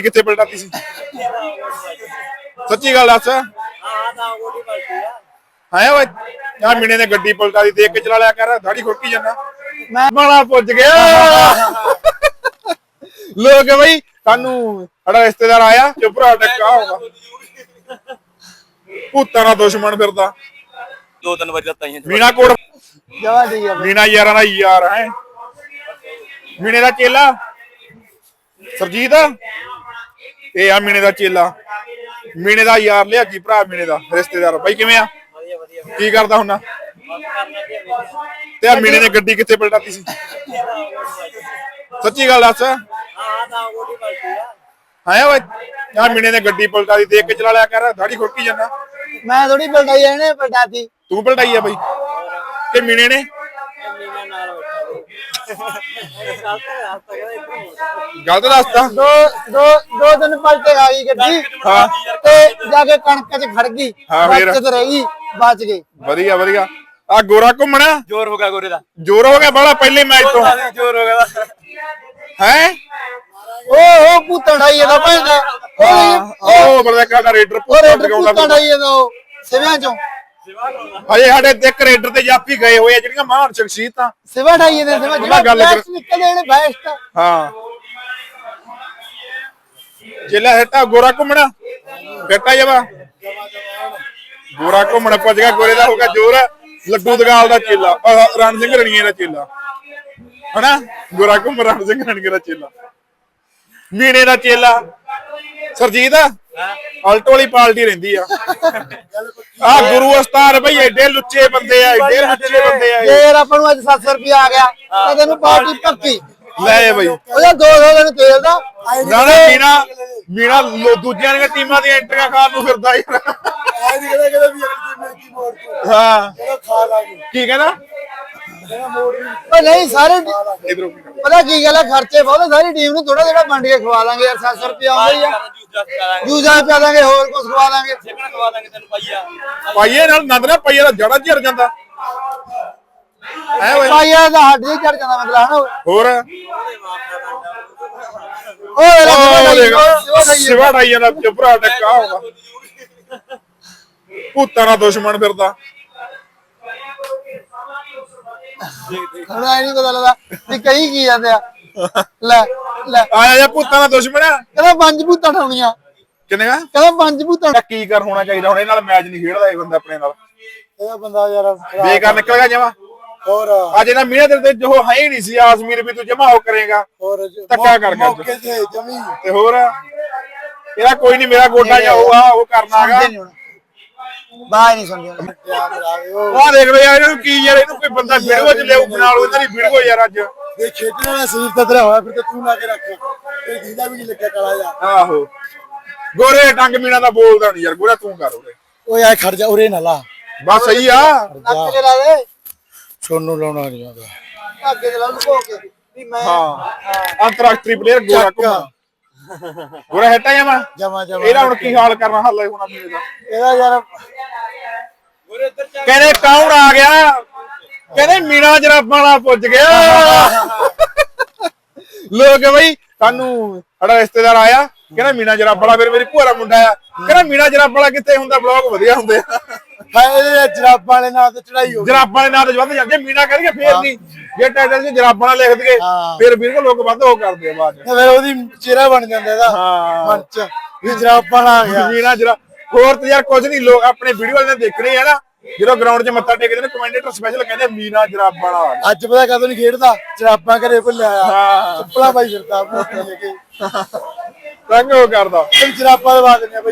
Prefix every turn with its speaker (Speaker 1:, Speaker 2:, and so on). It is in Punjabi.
Speaker 1: ਕਿੱਥੇ ਪਲਟਾਤੀ ਸੀ? ਸੱਚੀ ਗੱਲ ਦੱਸ। ਆਇਆ ਓਏ ਯਾਰ ਮੀਨੇ ਨੇ ਗੱਡੀ ਪਲਟਾ ਦੀ, ਦੇਖ ਕੇ ਚਲਾ ਲਿਆ ਕਰ, ਦਾੜੀ ਖੁਰਕੀ ਜਾਂਦਾ। ਮੈਂ ਬਾਲਾ ਪੁੱਜ ਗਿਆ। ਲੋਕ ਬਈ ਸਾਨੂੰ ਸਾਡਾ ਰਿਸ਼ਤੇਦਾਰ ਆਇਆ ਜੋ ਭਰਾ ਟੱਕਾ ਹੋਗਾ ਭੂਤਾਂ ਦਾ ਦੁਸ਼ਮਣ ਫਿਰਦਾ।
Speaker 2: 2-3 ਵਜੇ ਤੱਕ
Speaker 1: ਮੀਨਾ ਕੋਟ
Speaker 3: ਜਵਾ ਠੀਕ ਆ
Speaker 1: ਮੀਨਾ ਯਾਰਾਂ ਦਾ ਯਾਰ ਹੈ। ਮੀਨੇ ਦਾ ਚੇਲਾ ਸਰਜੀਤ ਇਹ ਆ ਮੀਨੇ ਦਾ ਚੇਲਾ, ਮੀਨੇ ਦਾ ਯਾਰ ਲਿਆ ਕੀ ਭਰਾ, ਮੀਨੇ ਦਾ ਰਿਸ਼ਤੇਦਾਰ। ਬਾਈ ਕਿਵੇਂ ਆ? ਕੀ ਕਰਦਾ ਹੁੰਨਾ? ਤੇ ਆ ਮੀਨੇ ਨੇ ਗੱਡੀ ਕਿੱਥੇ ਪਲਟਾਤੀ ਸੀ? ਸੱਚੀ ਗੱਲ ਦੱਸ। ਆਇਆ ਓਏ ਯਾਰ ਮੀਨੇ ਨੇ ਗੱਡੀ ਪਲਟਾ ਦੀ, ਦੇਖ ਕੇ ਚਲਾ ਲਿਆ ਕਰ, ਦਾੜੀ ਖੁਰਕੀ ਜਾਂਦਾ।
Speaker 3: ਮੈਂ ਥੋੜੀ ਪਲਟਾਈ ਇਹਨੇ ਪਲਟਾਤੀ।
Speaker 1: ਤੂੰ ਪਲਟਾਈ ਆ ਬਾਈ ਕਿ ਮੀਨੇ ਨੇ? ਗਲਤ ਦੱਸਦਾ।
Speaker 3: ਦੋ ਦਿਨ ਪਲਟੇ ਖਾਈ ਗੱਡੀ
Speaker 1: ਹਾਂ
Speaker 3: ਤੇ ਜਾ ਕੇ ਕਣਕ ਚ ਖੜ ਗਈ,
Speaker 1: ਹਾਂ ਫੇਰ
Speaker 3: ਬਚਤ ਰਹਿ ਗਈ, ਬਚ ਗਈ।
Speaker 1: ਵਧੀਆ ਵਧੀਆ। ਆ ਗੋਰਾ ਘੁੰਮਣਾ
Speaker 2: ਜ਼ੋਰ ਹੋ ਗਿਆ ਗੋਰੇ ਦਾ,
Speaker 1: ਜ਼ੋਰ ਹੋ ਗਿਆ ਬਾਲਾ ਪਹਿਲੇ ਮੈਚ ਤੋਂ
Speaker 2: ਜ਼ੋਰ ਹੋ ਗਿਆ
Speaker 1: ਹੈ।
Speaker 3: ਉਹ ਭੂਤਾਂ ਢਾਈ ਇਹਦਾ ਭੈਂਦਾ
Speaker 1: ਉਹ ਬਰਦਾ ਦਾ ਰੇਡਰ
Speaker 3: ਭੂਤਾਂ ਢਾਈ ਇਹਦਾ ਉਹ ਸਿਵਿਆਂ ਚੋਂ।
Speaker 1: ਹਜੇ ਸਾਡੇ ਤੇ ਰੇਡਰ ਤੇ ਜਾਫੀ ਗਏ ਹੋਏ ਆ ਜਿਹੜੀਆਂ ਮਹਾਨ ਸ਼ਖਸੀਅਤਾਂ।
Speaker 3: ਸਿਵਾ ਢਾਈ ਇਹਦੇ ਸਿਵਾ
Speaker 1: ਗੱਲ ਕਰ
Speaker 3: ਨਿਕਲਦੇ ਨੇ ਬੈਸਟ।
Speaker 1: ਹਾਂ ਚੇਲਾ ਹਟਾ ਗੋਰਾ ਘੁੰਮਣਾ ਬੇਟਾ ਜਵਾ ਗੋਰਾ ਘੁੰਮਣਾ ਪੁੱਜ ਗਿਆ। ਗੋਰੇ ਦਾ ਹੋਗਾ ਜ਼ੋਰ। ਲੱਡੂ ਦਗਾਲ ਦਾ ਚੇਲਾ, ਰਣ ਸਿੰਘ ਰਣੀਏ ਦਾ ਚੇਲਾ ਹਨਾ। ਗੋਰਾ ਘੁੰਮ ਰਣ ਸਿੰਘ ਰਣੀਏ ਦਾ ਚੇਲਾ, ਮੀਨੇ ਦਾ ਚੇਲਾ ਸਰਜੀਤ ਆਲਟੋ ਵਾਲੀ ਪਾਲਟੀ ਰਹਿੰਦੀ ਆ। ਆ ਗੁਰੂ ਉਸਤਾਦ ਬਈ ਐਡੇ ਲੁੱਚੇ ਬੰਦੇ ਆ, ਐਡੇ ਲੁੱਚੇ ਬੰਦੇ ਆ।
Speaker 3: ਫੇਰ ਆਪਾਂ ਨੂੰ ਅੱਜ 700 ਰੁਪਏ ਆ ਗਿਆ ਤਾਂ ਤੈਨੂੰ ਪਾਰਟੀ ਪੱਕੀ
Speaker 1: ਲੈ ਬਈ।
Speaker 3: ਉਹਦਾ 200 ਦਿਨ ਤੇਲ ਦਾ
Speaker 1: ਨਾ ਮੀਨਾ ਦੂਜਿਆਂ ਦੀਆਂ ਟੀਮਾਂ ਦੀਆਂ ਐਂਟਰੀਆਂ ਖਾਣ ਨੂੰ ਫਿਰਦਾ ਯਾਰ। ਹਾਂ ਕੀ ਕਹਿੰਦਾ?
Speaker 3: ਉਹ ਨਹੀਂ ਸਾਰੇ ਪਤਾ ਕੀ ਗੱਲ ਹੈ, ਖਰਚੇ ਬਹੁਤ ਸਾਰੀ ਟੀਮ ਨੂੰ ਥੋੜਾ ਥੋੜਾ ਵੰਡ ਕੇ ਖਵਾ ਦਾਂਗੇ ਯਾਰ। 700 ਰੁਪਏ ਆਉਂਦਾ ਹੀ ਆ, ਜੂਸਾਂ ਪਿਆ ਦਾਂਗੇ, ਹੋਰ ਕੁਝ ਖਵਾ ਦਾਂਗੇ।
Speaker 1: ਪਾਈਏ ਨਾਲ ਨੰਦ ਨਾ ਪਾਈਏ ਦਾ ਜੜਾ ਝੜ ਜਾਂਦਾ ਹੈ ਓਏ।
Speaker 3: ਪਾਈਆ ਦਾ ਹੱਡ ਹੀ ਚੜ ਜਾਂਦਾ ਮਤਲਬ ਹਨਾ।
Speaker 1: ਹੋਰ
Speaker 3: ਉਹ
Speaker 1: ਸਿਵਾ ਢਾਈ ਜਾਂਦਾ ਭਰਾ ਟੱਕਾ ਹੋਗਾ ਭੂਤਾਂ ਦਾ ਦੁਸ਼ਮਣ ਫਿਰਦਾ।
Speaker 3: ਹੁਣ ਐ ਨਹੀਂ ਪਤਾ ਲੱਗਦਾ ਵੀ ਕਹੀ ਕੀ ਜਾਂਦੇ ਆ। ਲੈ ਲੈ
Speaker 1: ਆਇਆ ਜਾ ਭੂਤਾਂ ਦਾ ਦੁਸ਼ਮਣ ਆ।
Speaker 3: ਕਹਿੰਦਾ 5 ਭੂਤਾਂ ਠਾਉਣੀਆਂ।
Speaker 1: ਕਿੰਨੇ ਗਾ?
Speaker 3: ਕਹਿੰਦਾ 5 ਭੂਤਾਂ।
Speaker 1: ਕੀ ਕਰ ਹੋਣਾ ਚਾਹੀਦਾ ਹੁਣ? ਇਹ ਨਾਲ ਮੈਚ ਨਹੀਂ ਖੇਡਦਾ ਇਹ ਬੰਦਾ ਆਪਣੇ ਨਾਲ।
Speaker 3: ਇਹ ਬੰਦਾ ਯਾਰ
Speaker 1: ਬੇਕਾਰ ਨਿਕਲ ਗਿਆ ਜਮਾ।
Speaker 3: ਹੋਰ
Speaker 1: ਅੱਜ ਇਹਨਾਂ ਮੀਨੇ ਦੇ ਜੋ ਹੈ ਹੀ ਨਹੀਂ ਸੀ ਆਸਮੀਰ ਵੀ ਤੂੰ ਜਮਾ ਹੋ ਕਰੇਗਾ
Speaker 3: ਹੋਰ
Speaker 1: ਧੱਕਾ ਕਰ
Speaker 3: ਮੌਕੇ ਤੇ ਜਮੀ
Speaker 1: ਤੇ ਹੋਰ ਇਹਦਾ ਕੋਈ ਨਹੀਂ। ਮੇਰਾ ਗੋਡਾ ਜਾ ਹੋਊਗਾ ਉਹ ਕਰਨਾ ਹੈਗਾ।
Speaker 3: ਬਾਹਰ ਨਹੀਂ ਸੁਣਦੀ
Speaker 1: ਆਹ ਦੇਖ ਲੋ ਯਾਰ ਇਹਨੂੰ ਕੀ ਯਾਰ, ਇਹਨੂੰ ਕੋਈ ਬੰਦਾ ਵੀਡੀਓ ਚ ਲਿਆਉ ਬਣਾ ਲਓ ਇਹਨਾਂ ਦੀ ਵੀਡੀਓ ਯਾਰ। ਅੱਜ
Speaker 3: ਇਹ ਖੇਡਣ ਵਾਲਾ ਸਰੀਰ ਤਾਂ ਤੇਰਾ ਹੋਇਆ ਫਿਰ ਤੇ ਤੂੰ ਲਾ ਕੇ ਰੱਖ ਤੇ ਜਿੰਦਾ ਵੀ ਨਹੀਂ ਲੱਗਿਆ ਕਾਲਾ ਜਾ।
Speaker 1: ਆਹੋ ਗੋਰੇ ਟੰਗ ਮੀਨਾ ਦਾ ਬੋਲਦਾ ਨਹੀਂ ਯਾਰ। ਗੋਰਾ ਤੂੰ ਕਰ ਉਰੇ।
Speaker 3: ਓਏ ਆ ਖੜ ਜਾ ਉਰੇ ਨਾ ਲਾ।
Speaker 1: ਬਸ ਸਹੀ ਆ।
Speaker 3: ਨੱਕ ਤੇ ਲਾ ਦੇ। ਸੋਨੂੰ ਲਾਉਣਾ ਨਹੀਂ ਆਉਂਦਾ ਅੱਗੇ ਤੇ ਲਾ ਲੁਕੋ ਕੇ ਵੀ ਮੈਂ।
Speaker 1: ਹਾਂ ਅੰਤਰਰਾਸ਼ਟਰੀ ਪਲੇਅਰ ਗੋਰਾ ਘੁੰਮਾ। ਗੋਰਾ ਹਟਾ
Speaker 3: ਜਮਾ
Speaker 1: ਇਹਦਾ ਹੁਣ ਕੀ ਹਾਲ ਕਰਨਾ ਹਾਲੇ ਹੋਣਾ ਮੀਨੇ ਦਾ?
Speaker 3: ਇਹਦਾ ਯਾਰ
Speaker 1: ਕਹਿੰਦੇ ਕੌਣ ਆ ਗਿਆ? ਕਹਿੰਦੇ ਮੀਨਾ ਜਰਾਬਾਂ ਵਾਲਾ ਪੁੱਜ ਗਿਆ। ਲੋਕ ਬਈ ਸਾਨੂੰ ਸਾਡਾ ਰਿਸ਼ਤੇਦਾਰ ਆਇਆ ਕਹਿੰਦਾ ਮੀਨਾ ਜਰਾਬਾਂ ਵਾਲਾ। ਫਿਰ ਮੇਰੀ ਭੂਆ ਦਾ ਮੁੰਡਾ ਆ ਕਹਿੰਦਾ ਮੀਨਾ ਜਰਾਬਾਂ ਵਾਲਾ ਕਿੱਥੇ ਹੁੰਦਾ? ਬਲੌਗ ਵਧੀਆ ਹੁੰਦੇ ਆ।
Speaker 3: ਇਹਦੇ ਜਰਾਬਾਂ ਵਾਲੇ ਨਾਲ ਤੇ ਚੜਾਈ ਹੋ।
Speaker 1: ਜਰਾਬਾਂ ਵਾਲੇ ਨਾਲ ਤੇ ਵੱਧ ਜਾਂਦੇ। ਮੀਨਾ ਕਰੀਏ ਫੇਰ ਨਹੀਂ। ਜੇ ਟਾਈਟਲ 'ਚ ਜਰਾਬਾਂ ਨਾਲ ਲਿਖ ਦਈਏ ਫਿਰ ਵੀਰ ਲੋਕ ਵੱਧ ਉਹ ਕਰਦੇ ਆ ਬਾਅਦ 'ਚ।
Speaker 3: ਫਿਰ ਉਹਦੀ ਚਿਹਰਾ ਬਣ ਜਾਂਦਾ ਇਹਦਾ ਮਨ 'ਚ ਵੀ ਜਰਾਬਾਂ ਆ ਗਿਆ
Speaker 1: ਮੀਨਾ ਜਰਾ। ਹੋਰ ਤੇ ਯਾਰ ਕੁਝ ਨਹੀਂ। ਲੋਕ ਆਪਣੇ ਵੀਡੀਓ ਵਾਲੇ ਨੇ ਦੇਖਣੇ ਆ ਨਾ, ਜਦੋਂ ਗਰਾਊਂਡ 'ਚ ਮੱਥਾ ਟੇਕਦੇ ਨੇ ਕਮੈਂਟੇਟਰ ਸਪੈਸ਼ਲ ਕਹਿੰਦੇ ਮੀਨਾ ਜਰਾਬਾਂ ਵਾਲਾ।
Speaker 3: ਅੱਜ ਪਤਾ ਕਦੋਂ ਨਹੀਂ ਖੇਡਦਾ, ਜਰਾਬਾਂ ਘਰੇ ਭੁੱਲਿਆ ਆ, ਚੱਪਲਾਂ ਪਾਈ ਫਿਰਦਾ ਲੈ ਕੇ
Speaker 1: ਰੰਗ ਉਹ ਕਰਦਾ।
Speaker 3: ਜਰਾਬਾਂ ਦਵਾ ਦਿੰਦੇ ਆ।